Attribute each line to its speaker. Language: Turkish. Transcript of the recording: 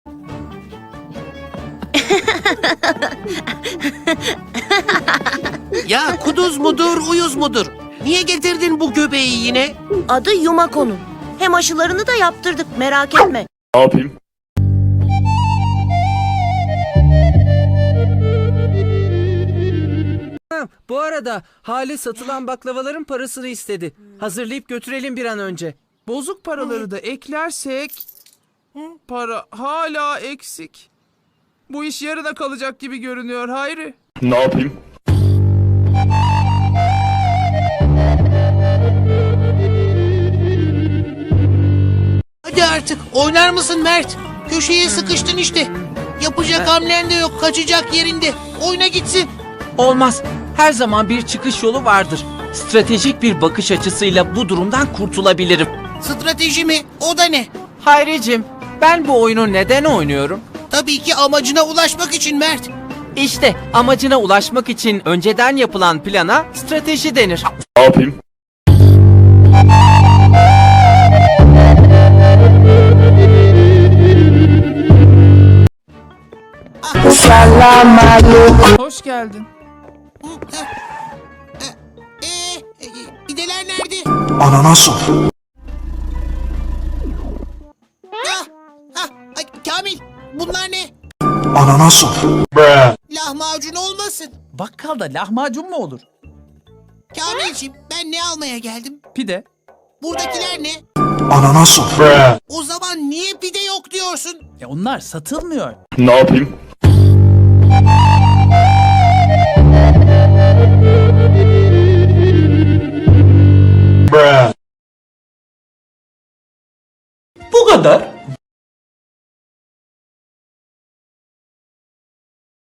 Speaker 1: Ya kuduz mudur, uyuz mudur? Niye getirdin bu göbeği yine?
Speaker 2: Adı Yumako'nun. Hem aşılarını da yaptırdık, merak etme.
Speaker 3: Ne yapayım?
Speaker 4: Bu arada Hale satılan baklavaların parasını istedi. Hazırlayıp götürelim bir an önce.
Speaker 5: Bozuk paraları da eklersek para hala eksik. Bu iş yarına kalacak gibi görünüyor Hayri.
Speaker 3: Ne yapayım?
Speaker 1: Hadi artık oynar mısın Mert? Köşeye sıkıştın işte. Yapacak hamlen de yok, kaçacak yerinde. Oyna gitsin.
Speaker 6: Olmaz. Her zaman bir çıkış yolu vardır. Stratejik bir bakış açısıyla bu durumdan kurtulabilirim.
Speaker 1: Strateji mi? O da ne?
Speaker 6: Hayricim, ben bu oyunu neden oynuyorum?
Speaker 1: Tabii ki amacına ulaşmak için Mert.
Speaker 6: İşte amacına ulaşmak için önceden yapılan plana strateji denir.
Speaker 3: Ne yapayım?
Speaker 5: Hoş geldin.
Speaker 1: Pideler nerede?
Speaker 7: Ananas ol.
Speaker 1: Ay, Kamil, bunlar ne?
Speaker 7: Ananas ol.
Speaker 1: Lahmacun olmasın.
Speaker 8: Bakkalda lahmacun mu olur?
Speaker 1: Kamilciğim, ben ne almaya geldim?
Speaker 8: Pide.
Speaker 1: Buradakiler ne?
Speaker 7: Ananas ol.
Speaker 1: O zaman niye pide yok diyorsun?
Speaker 8: Onlar satılmıyor.
Speaker 3: Ne yapayım?
Speaker 6: Bu kadar.